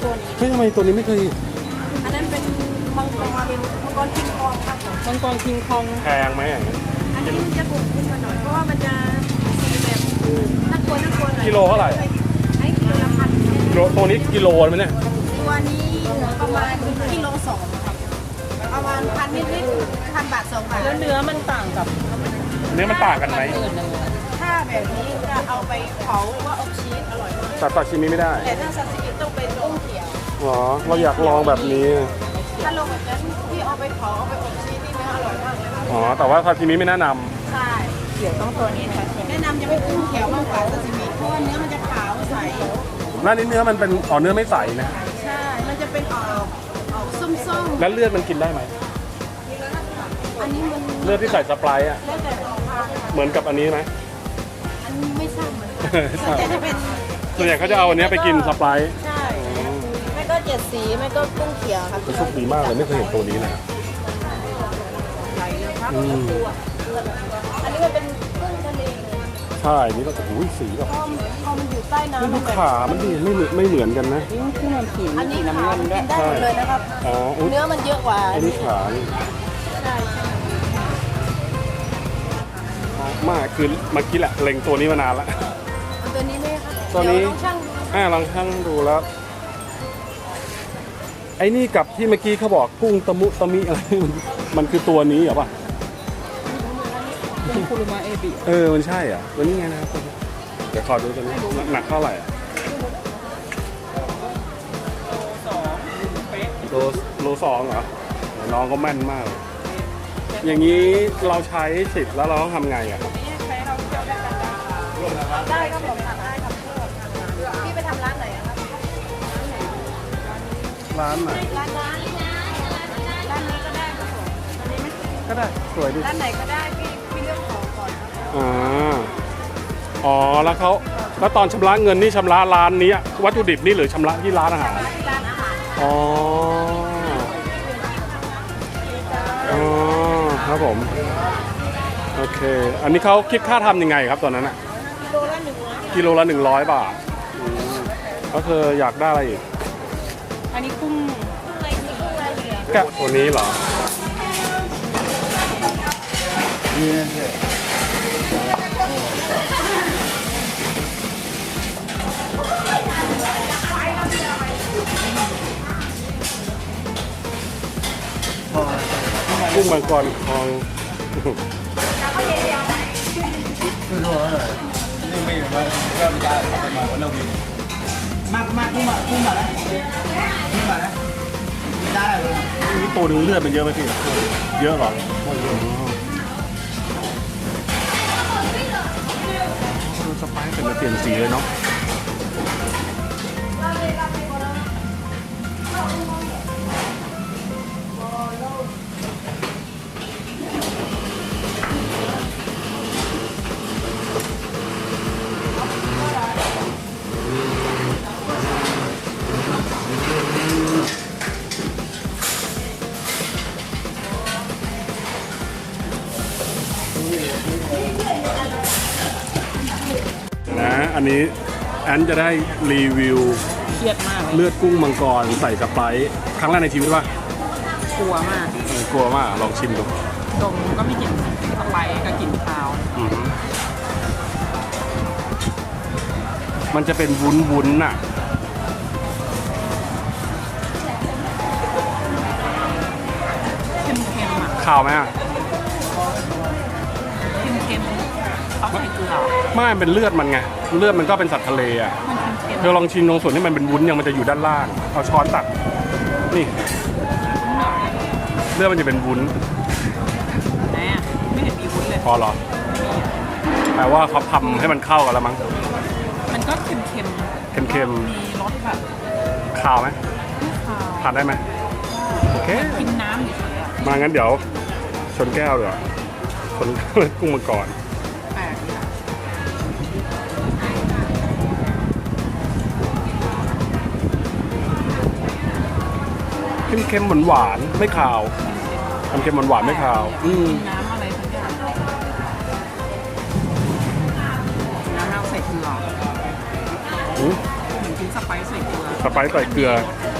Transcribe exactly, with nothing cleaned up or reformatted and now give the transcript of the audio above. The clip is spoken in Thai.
ตัวนี้เฮ้ยทำไมตัวนี้ไม่เคยอันนั้นเป็นมังกรมังกรคิงคองครับผมมังกรคิงคองแพงไหมอย่างเงี้ยอันนี้มันจะถูกขึ้นมาหน่อยเพราะว่ามันจะสีแบบน่ากลัวน่ากลัวหน่อยกิโลเท่าไหร่ไอ้กิโลละพันกิโลตัวนี้กิโลไหมเนี่ยตัวนี้ประมาณกิโลสองครับประมาณพันนิดๆพันบาทสองบาทแล้วเนื้อมันต่างกับเนื้อมันต่างกันไหมถ้าแบบนี้จะเอาไปเผาหรือว่าอบชีสอร่อยมากตัดตัดชิมิไม่ได้แต่ถ้าซาซิมิต้องเป็นกุ้งเขียวหรอเราอยากลองแบบนี้ถ้าลงแบบนั้นที่เอาไปเผาเอาไปอบชีสนี่เนื้ออร่อยมากเลยครับอ๋อแต่ว่าซาชิมิไม่แนะนำใช่เดี๋ยวต้องตัวนี้ค่ะแนะนำจะเป็นกุ้งเขียวมากกว่าซาซิมิเพราะว่าเนื้อมันจะขาวใสร้านนี้เนื้อมันเป็นอ๋อเนื้อไม่ใสนะใช่ มันจะเป็นออกออกส้มๆแล้วเลือดมันกินได้ไหมอันนี้มันเลือดที่ใส่สไปร์อ่ะแล้วแต่ราคาเหมือนกับอันนี้ไหมอันนี้ไม่ทราบเหมือนกันส่วนใหญ่จะเป็นส่วนใหญ่เขาจะเอาอันเนี้ยไปกินสไปร์ใช่ไม่ก็เจ็ดสีไม่ก็กุ้งเขียวครับโชคดีมากเลยไม่เคยเห็นตัวนี้เลยไหลเลยครับอืมอันนี้มันเป็นกุ้งทะเลเลยใช่นี่ก็โอ้โหสีแบบพอมันพอมันอยู่ใต้น้ำนี่มัดูนแบบขามันดีไม่เหมือนไม่เหมือนกันนะอันนี้ขามันกินได้หมดเลยนะครับอ๋ออุ๊ยเนื้อมันเยอะกว่าอันนี้ขานี่ใช่ใช่มากคือเมื่อกี้แหละเล็งตัวนี้มานานแล้วเอาตัวนี้ไหมครับตัวนี้เดี๋ยลองชั่งดูอ่าลองชั่งดูแล้ว ไอ้นี่กับที่เมื่อกี้เขาบอกกุ้งตะมุตะมิอะไร มันมันคือตัวนี้เหรอปะเป็นคุรุมาเอบิเออมันใช่อ่ะตัวนี้ไงนะครับตัวนี้เดี๋ยวขอดูตัวนี้หนักเท่าไหร่อะโลโลสองเหรอน้องก็แม่นมากเลยอย่างนี้เราใช้สิทธิ์แล้วเราต้องทำไงอ่ะครับใช้เราเที่ยวได้กันได้ครับผมทำได้ครับพี่ไปทำร้านไหนอะครับร้านไหนร้านร้านร้านนี้ก็ได้ครับผมอันนี้ไม่ก็ได้สวยดีร้านไหนก็ได้พี่พี่เลือกของก่อนครับอ่าอ๋อแล้วเขาแล้วตอนชำระเงินนี่ชำระร้านนี้วัตถุดิบนี่หรือชำระที่ร้านอาหารที่ร้านอาหารอ๋ออ๋อครับผมโอเค อันนี้เขาคิดค่าทำยังไงครับตอนนั้นอะกิโลละหนึ่งร้อยกิโลละหนึ่งร้อยบาทอืมก็คืออยากได้อะไรอีกอันนี้กุ้งอะไรกุ้งอะไรเหลืองแกะตัวนี้เหรอกุ้งมังกรทองมากมากกุ้งมากุ้งมาแล้วกุ้งมาแล้วได้เลยนี่ตัวหนึงเลือดมันเยอะไหมพี่ เยอะเหรออ๋อดูสไปซ์เป็นเปลี่ยนสีเลยเนาะนะอันนี้แอนจะได้รีวิวเครียดมากเลยเลือดกุ้งมังกรใส่สไปซ์ครั้งแรกในชีวิตป่ะกลัวมากเออกลัวมากลองชิมดูดมก็ไม่กลิ่นสไปร์ก็กลิ่นคาวอืมมันจะเป็นวุ้นวุ้นๆน่ะเค็มๆอ่ะข่าวไหมอ่ะเค็มๆเขาใส่เกลือไม่เป็นเลือดมันไงเลือดมันก็เป็นสัตว์ทะเลอ่ะมันเค็มเธอลองชิมตรงส่วนที่มันเป็นวุ้นยังมันจะอยู่ด้านล่าง เอาช้อนตัก นี่ เลือดมันจะเป็นวุ้นๆแน่ไม่เห็นมีวุ้นเลยพอเหรอ แปลว่าเขาทำให้มันเข้ากันแล้วมั้งมันก็เค็มเค็มๆมีรสแบบๆข่าวไหมไม่คาวทานได้ไหมโอเคกินน้ำเฉยๆอะมางั้นเดี๋ยวชนแก้วเดี๋ยวาชน กุ้งมังกรแปลกดีอะเค็มๆหวานๆไม่ขาวเค็มๆหวานๆไม่ขาว อืมกินน้ำอะไรสักอย่างน้ำเราใส่เกลืออืมเหมือนกินสสไปซ์ใส่เกลือสไปซ์ใส่เกลือ